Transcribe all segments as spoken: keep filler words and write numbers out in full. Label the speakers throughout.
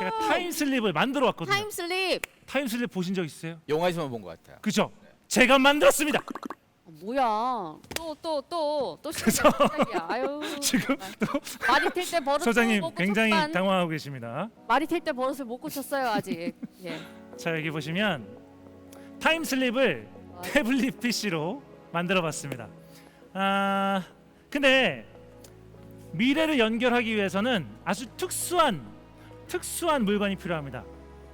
Speaker 1: 제가 타임슬립을 만들어 왔거든요.
Speaker 2: 타임슬립.
Speaker 1: 타임슬립 보신 적 있으세요?
Speaker 3: 영화에서만 본 것 같아요.
Speaker 1: 그죠? 제가 만들었습니다.
Speaker 2: 어, 뭐야? 또 또 또또
Speaker 1: 그래서
Speaker 2: 시작이야. 아유.
Speaker 1: 지금 또
Speaker 2: 말이 튈 때 버릇
Speaker 1: 소장님
Speaker 2: 못
Speaker 1: 굉장히
Speaker 2: 고쳤만.
Speaker 1: 당황하고 계십니다.
Speaker 2: 말이 튈 때 버릇을 못 고쳤어요 아직. 예.
Speaker 1: 자, 여기 보시면 타임슬립을 태블릿 피시로 만들어봤습니다. 아, 근데 미래를 연결하기 위해서는 아주 특수한 특수한 물건이 필요합니다.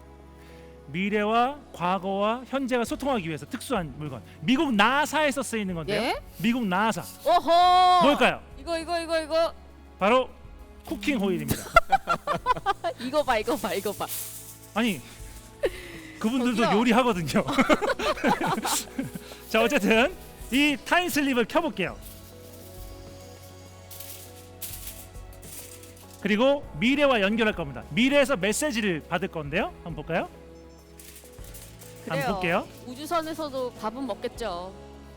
Speaker 1: 미래와 과거와 현재가 소통하기 위해서 특수한 물건. 미국 나사에서 쓰이는 건데요.
Speaker 2: 예?
Speaker 1: 미국 나사.
Speaker 2: 오호.
Speaker 1: 뭘까요?
Speaker 2: 이거 이거 이거 이거
Speaker 1: 바로 쿠킹 호일입니다.
Speaker 2: 이거 봐 이거 봐 이거 봐.
Speaker 1: 아니, 그분들도
Speaker 2: 저기요.
Speaker 1: 요리하거든요. 자, 어쨌든 이 타임슬립을 켜볼게요. 그리고 미래와 연결할 겁니다. 미래에서 메시지를 받을 건데요. 한번 볼까요?
Speaker 2: 그래요.
Speaker 1: 한번 볼게요.
Speaker 2: 우주선에서도 밥은 먹겠죠.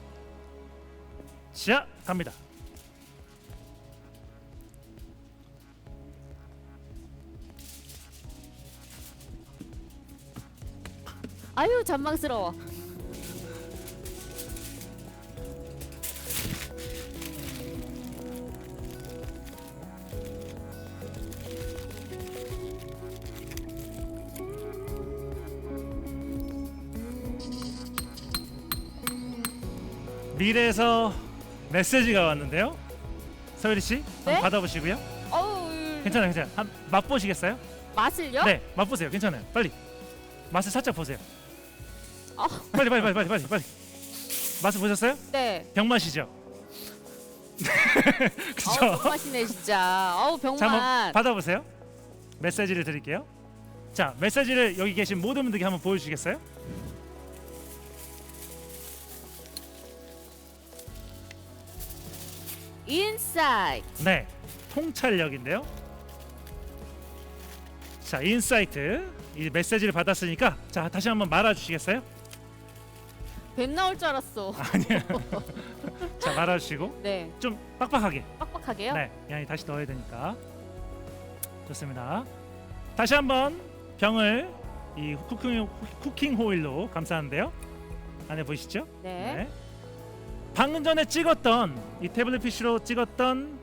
Speaker 1: 자, 갑니다.
Speaker 2: 아유 잔망스러워.
Speaker 1: 미래에서 메시지가 왔는데요. 서유리 씨, 한번
Speaker 2: 네?
Speaker 1: 받아보시고요.
Speaker 2: 어우.
Speaker 1: 괜찮아요, 괜찮아요. 한 맛보시겠어요?
Speaker 2: 맛을요?
Speaker 1: 네, 맛보세요. 괜찮아요. 빨리 맛을 살짝 보세요.
Speaker 2: 어.
Speaker 1: 빨리, 빨리, 빨리, 빨리, 빨리, 빨리. 맛을 보셨어요?
Speaker 2: 네.
Speaker 1: 병 맛이죠. 그죠?
Speaker 2: 어우 병맛이네 진짜. 어우
Speaker 1: 자, 한번
Speaker 2: 병맛.
Speaker 1: 받아보세요. 메시지를 드릴게요. 자, 메시지를 여기 계신 모든 분들께 한번 보여주시겠어요?
Speaker 2: 인사이트.
Speaker 1: 네, 통찰력인데요. 자, 인사이트 이 메시지를 받았으니까 자, 다시 한번 말아주시겠어요?
Speaker 2: 뱀 나올 줄 알았어.
Speaker 1: 아니요. 자, 말아주시고
Speaker 2: 네.
Speaker 1: 좀 빡빡하게.
Speaker 2: 빡빡하게요?
Speaker 1: 네, 양이 다시 넣어야 되니까. 좋습니다. 다시 한번 병을 이 쿠킹, 쿠킹 호일로 감싸는데요. 안에 보이시죠?
Speaker 2: 네.
Speaker 1: 방금 전에 찍었던 이 태블릿 피시로 찍었던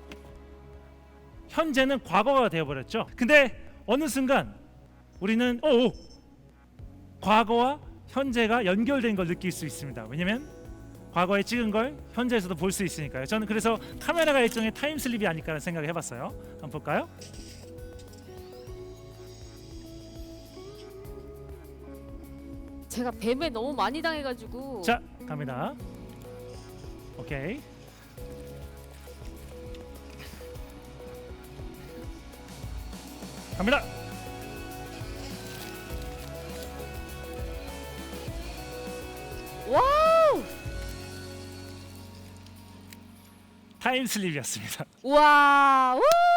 Speaker 1: 현재는 과거가 되어버렸죠. 근데 어느 순간 우리는 오, 오 과거와 현재가 연결된 걸 느낄 수 있습니다. 왜냐면 과거에 찍은 걸 현재에서도 볼 수 있으니까요. 저는 그래서 카메라가 일종의 타임슬립이 아닐까라는 생각을 해봤어요. 한번 볼까요?
Speaker 2: 제가 뱀에 너무 많이 당해가지고.
Speaker 1: 자, 갑니다. 오케이. 갑니다.
Speaker 2: 와우.
Speaker 1: 타임슬립이었습니다.
Speaker 2: 와. 우.